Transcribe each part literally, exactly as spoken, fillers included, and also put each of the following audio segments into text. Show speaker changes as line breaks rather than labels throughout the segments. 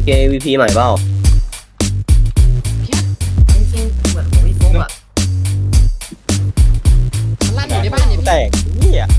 เอ วี พี ใหม่เปล่า
เหมือนผมไม่ฟุกอ่ะมันลั่นอยู่ในบ้านเนี่ย
แตกนี่อ่ะ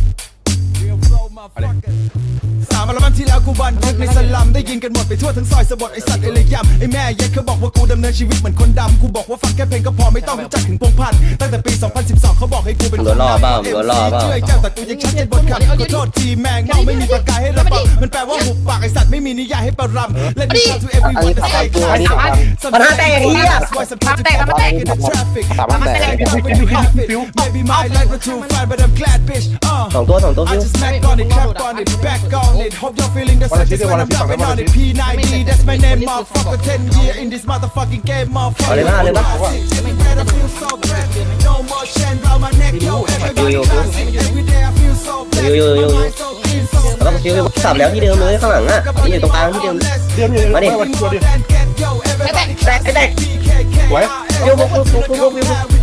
สามอัลบั้มที่แล้วกูบันทึกในสลัมได้ยินกันหมดไปทั่วทั้งซอยสะบดไอสัตว์เอเลยยำไอแม่เย็ดเขาบอกว่ากูดำเนินชีวิตเหมือนคนดำกูบอกว่าฟังแค่เพลงก็พอไม่ต้องรู้จักถึงพงพันธ์ตั้งแต่ปีสองพันสิบสองเขาบอกให้กูเป็นคนดังเอ็มซีช่วยแก้วแต่กูยังชัดเจนบนคำขอโทษทีแมงเมาไม่มีประกายให้ระบังมันแปลว่าหุบปากไอสัตว์ไม่มีนิยายให้ประรำและดิฉัน to everyone to stay calm
ปัญหาแตกเฮีย
แตกแตก
สามารถแตก
Maybe my life was too fine but I'm glad bitch
สองตัวสองตัว
I
ฟิว
just smack on it clap on it back on it hope you're feeling the success when I'm rapping on it P nine D that's my name motherfucker ten year in this motherfucking game motherfucker
เลยมาเลยมา
I feel so bad no more chain round my neck yo everybody classic every day I feel so bad
ยูยูยูยูแล้วก็ฟิวสับแล้วที่เดิมเลยข้างหลังอ่ะนี่อยู่ตรงกลางที่เดิมมาดิแตกแตกแตกไว้ยูพกพกพกพกพก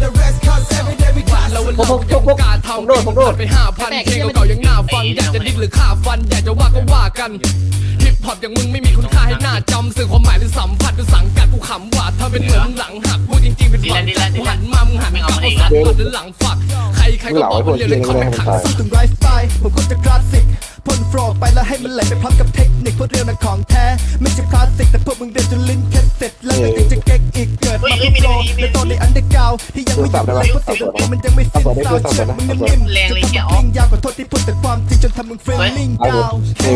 พกพกพกพกผมโดดผมโดด
ไปห้าพันเพลงเก่าๆยังน่าฟังอยากจะดิ้นหรือฆ่าฟันอยากจะว่าก็ว่ากันฮิปฮอปอย่างมึงไม่มีคุณค่าให้หน้าจำสื่อความหมายหรือสัมผัสหรือสังกัดกูขำว่าถ้าเป็นเหมือนหลังหักพูดจริงๆเป็นฝังใจกูหันมามึงหันกลับเอาสัตว์ก่อนหรือหลังฝักใครใครก็บอกว่าเรียนเล่นคอมขัง
ถึงไลฟ์สไตล์ผมก็จะคลาสสิกพ่นโฟลไปแล้วให้มันไหลไปพร้อมกับเทคนิคพวกเรียวนั้นของแท้ไม่ใช่คลาสสิกแต่พวกมึงเดินจนลิ้นแค่เสร็จแล้วยังจะเก๊กอีกเกิดมาเป็นโปรในตอนในอันเดอร์กราวที่ยังไม่หยุดเลยเพราะเสียงของมันยังไม่สิ้นซาวเชิญมึงนิ่มๆจะต้องวิ่งยาวกว่าโทษที่พูดแต่ความจริงจนทำมึงเฟลลิ่งดาว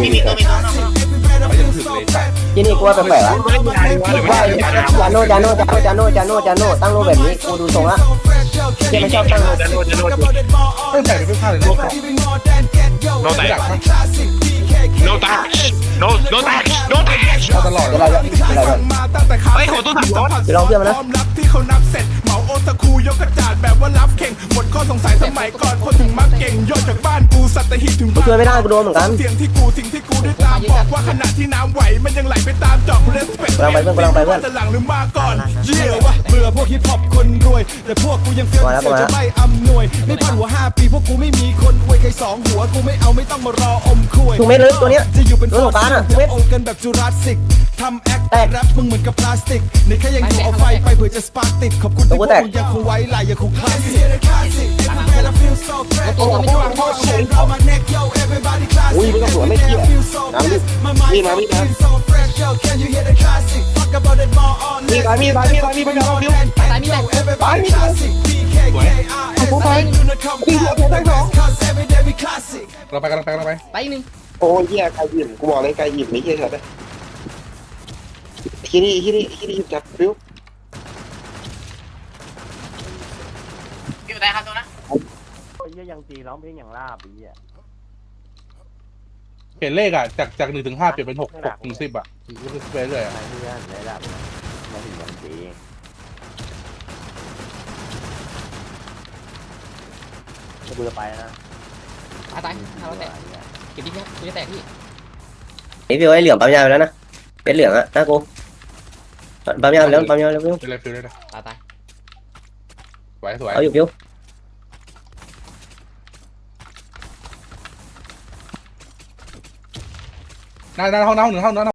ที่นี่กูว่าแปลกๆละว่าจาโน่จาโน่จาโน่จาโน่จาโน่จาโน่ตั้งโลแบบนี้กูดูทรงละที่ไม่ชอบตั้งโลจาโน่จาโน่
ไม่แตกเป็นข้าวเลยโลกโลแตก
no touch no no touch no touch
ตลอด
เดี๋ยวเราจะเดี๋ยวเราจะ
เฮ้ยโหตัวถังร้อน
เดี๋ยวลองเพื่อนมานะ
รับที่เขานับเสร็จเหมาโอตะคูยกกระจาดแบบว่ารับเข่งหมดข้อสงสัยสมัยก่อนคนถึงมักเก่งยอดจากบ้านกูสัตหีบถึง
กูช่วยไม่ได้กูโดนเหมือนกัน
เสียงที่กูสิ่งที่กูได้ตามบอกว่าขณะที่น้ำไหวมันยังไหลไปตามจอกเลสเปก
กำลังไปเพื่อนกำลังไปเพื่อน
จะหลังหรือมาก่อนเยี่ยวะเบื่อพวกฮิปฮอปคนรวยแต่พวกกูยังเฟี้ยวเสียวจะไม่อำนวยไม่พันหัวห้าปีพวกกูไม่มีคนอวยใครสองหัวกูไม่เอาไม่ต้องมารออมคุย
ถูกเม็ดเลยตัวเนี้ย
จะอยู่เป็น
ตัวสงกรานต์อะถูกเม็ด
โอกันแบบจูราสสิกทำแอค
แตก
แรปมึงเหมือนกับพลาสติกในแค่ยังอยู่เอาไฟไปเผื่อจะสปาร์กติดขอบคุณที่พวกมึงยังคงไว้ลายยังคงคลาสสิก
อุ้ยไม่ต้องสวนไม่เกี่ยน้ำดิมีมามีมามีมามีมามีมามีมาเราดิว
ตายมีแตก
ไปมีมาผมไปตีหัวผมทั้งสองเราไปกันเราไปเราไป
ไปอีกหนึ่ง
โอ้ยแย่ไก่หยิบกูบอกเลยไก่หยิบนี่เหี้ยเลยที่นี่ที่นี่ที่นี่จับดิว
อยู่ไหนครับตัวนะ
ไอ้เหี้ยยังตีร้องเพลงอย่างลาบไอ้เหี้ย
เปลี่ยนเลขอ่ะจากจากหนึ่งถึงห้าเปลี่ยนเป็นหกหกถึงสิบอ่ะไปเรื่อยอ่ะ
ไอ้เพื่อนได้ดับมาถึงยังตีจะกูจะไปนะ
ตายตายห้าร้อยแตกเก็บดิเนี่ยกูจะแตกพี่
ไอ้ฟิวไอ้เหลืองปั๊มยาไปแล้วนะเป็นเหลืองอะนะกูปั๊มยาไปแล้วปั๊มยาไปแล้วฟิว
เป็นไรฟิลเลยนะ
ตายตาย
สวยสวย
เอาอยู่ฟิว
หน้าหน้าห้องน้ำหนึ่งห้องน้ำ